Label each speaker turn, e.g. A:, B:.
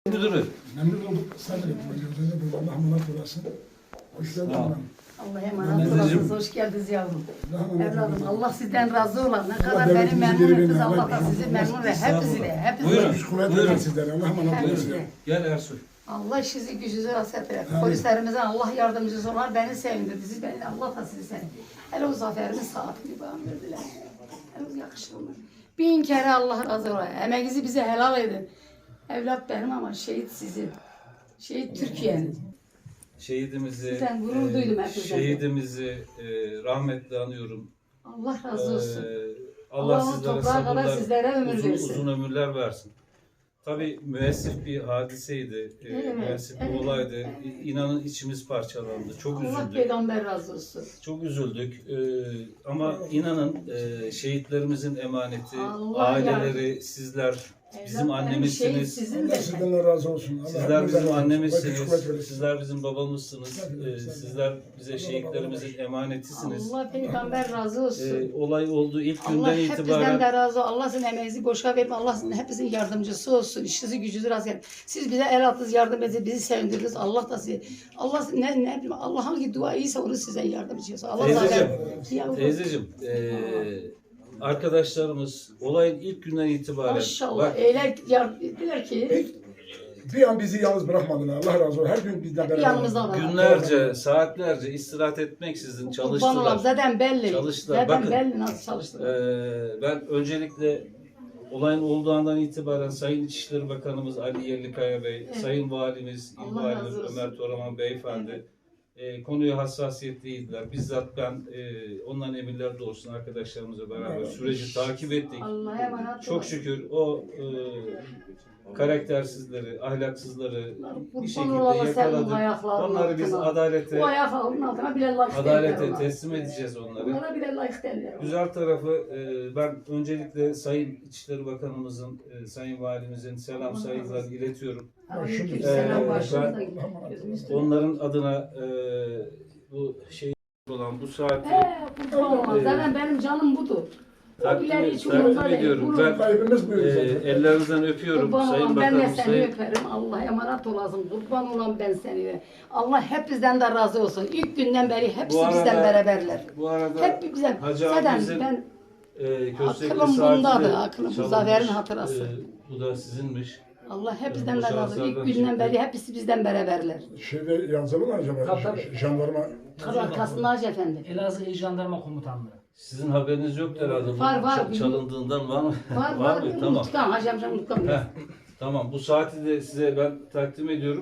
A: Müdürü.
B: Memnun olduk. Sabredin. Allah emanet olasın. Hoş geldin.
C: Allah'a emanet olasınız. Hoş geldiniz yavrum. Evladım Allah sizden razı olan. Ne kadar beni
B: devletimizi
C: memnun
B: geri
C: ettiniz.
B: verin.
C: Allah
B: Allah
C: da sizi memnun ve hepsi de. Hepsi
A: Buyurun.
C: de.
B: Güç kuvvet
A: Buyurun.
B: verin sizlere. Allah emanet olasın.
A: Gel Ersoy.
C: Allah işinizi gücünüzü rast ettirir.
B: Amin.
C: Polislerimize Allah yardımcısı olar. Beni sevindirdi. Siz beni Allah da sizi sevindirdi. Hele o zaferimin saatini bana verdiler. Hele yakışır mı? Bin kere Allah razı ola. Emeğinizi bize helal edin. Evlat benim ama şehit sizin. Şehit Türkiye'nin.
A: Şehidimizi,
C: Sizden gurur duydum hepinizden.
A: şehidimizi rahmetle anıyorum.
C: Allah razı olsun.
A: Allah
C: Allah'ın
A: sizlere
C: toprağa kadar
A: sabırlar,
C: sizlere ömür versin.
A: uzun ömürler versin. Tabii müessif bir hadiseydi,
C: Evet,
A: müessif bir
C: evet,
A: olaydı.
C: evet.
A: İnanın içimiz parçalandı, çok
C: Allah
A: üzüldük.
C: peygamber razı olsun.
A: Çok üzüldük. Ama inanın şehitlerimizin emaneti,
C: Allah
A: aileleri, sizler bizim
C: Evlat benim şehit
A: annemizsiniz.
C: sizin
B: Allah
C: de.
B: sizden de razı olsun. Allah
A: Sizler
B: hepinizden
A: bizim
B: razı olsun.
A: annemizsiniz,
B: Güç kuvvet verin.
A: sizler bizim babamızsınız, sizler bize şehitlerimizin emanetisiniz.
C: Allah peygamber razı olsun.
A: Olay olduğu ilk
C: Allah
A: günden
C: hepinizden
A: itibaren
C: de razı olsun. Allah sizin emeğinizi boşa verme. Allah sizin hepinizin yardımcısı olsun. İşinizi gücünüzü razı etsin. Siz bize el attınız, yardım ettiniz, bizi sevindirdiniz. Allah da sizi, Allah ne bileyim, Allah hangi dua iyiyse onu size yardımcı olsun. Allah
A: Teyzeciğim, teyzeciğim, arkadaşlarımız olayın ilk günden itibaren
C: Maşallah.
A: bak,
C: Eyler dediler ki
B: Bir an bizi yalnız bırakmadılar. Allah razı olsun. Her gün bizden beraber.
C: yanımızda var.
A: günlerce, saatlerce istirahat etmeksizin
C: Kurban olam,
A: çalıştılar.
C: zaten belli.
A: Çalıştılar.
C: Zaten
A: Bakın,
C: belli nasıl çalıştılar.
A: Ben öncelikle olayın olduğu andan itibaren Sayın İçişleri Bakanımız Ali Yerlikaya Bey,
C: Evet.
A: Sayın Valimiz, İl
C: Allah
A: Valimiz
C: razı olsun.
A: Ömer Toraman Beyefendi konuya hassasiyetliydiler. Bizzat ben onların emirleri doğrusunda arkadaşlarımızla beraber süreci takip ettik.
C: Allah'a emanet
A: Çok
C: olun.
A: şükür o karaktersizleri, ahlaksızları bir
C: Kurban
A: şekilde
C: olalım senin
A: yakaladık.
C: ayaklarının
A: Onları biz
C: altına.
A: adalete
C: Bu ayaklarının altına bile layık derler
A: adalete
C: ona.
A: teslim edeceğiz onları.
C: Onlara bile layık derler.
A: Güzel tarafı ben öncelikle Sayın İçişleri Bakanımızın, Sayın Valimizin selam saygılar iletiyorum.
C: Aleykümselam başımıza
A: ben-
C: gözümüz
A: Onların adına bu şey olan bu saati
C: kurban olalım. Zaten benim canım budur. O ileri hiç umurumda
A: takdim
C: değil.
A: ediyorum.
C: Vurun.
A: Ben
B: Kaybımız buydu zaten.
A: ellerinizden öpüyorum
C: Kurban
A: Sayın
C: olan ben de
A: Bakanım,
C: seni
A: Sayın
C: öperim. Allah'a emanet olasın. Kurban olan ben seni. Allah hepinizden de razı olsun. İlk günden beri hepsi
A: Bu arada-
C: bizden beraberler.
A: Bu arada
C: Hep bizden.
A: Hacı
C: Zaten
A: abimizin
C: ben
A: Köstekli
C: aklım
A: saati
C: bundadır,
A: de
C: aklım bu
A: çalınmış.
C: zaferin hatırası.
A: Bu da sizinmiş.
C: Allah hepinizden
A: Bu
C: de razı olsun.
A: şahıslardan
C: İlk günden
A: çıktı.
C: beri hepsi bizden beraberler.
B: Şeyde yazılı mı acaba?
D: Tabii, tabii.
B: Jandarma.
C: Kasım Hacı Efendi.
D: Elazığ İl Jandarma Komutanlığı.
A: Sizin haberiniz yoktu herhalde. Bu
C: Var.
A: çalındığından var mı?
C: Var
A: mı? Tamam.
C: Unutkan. Hacı amcam unutkan.
A: Heh, tamam. Bu saati de size ben takdim ediyorum.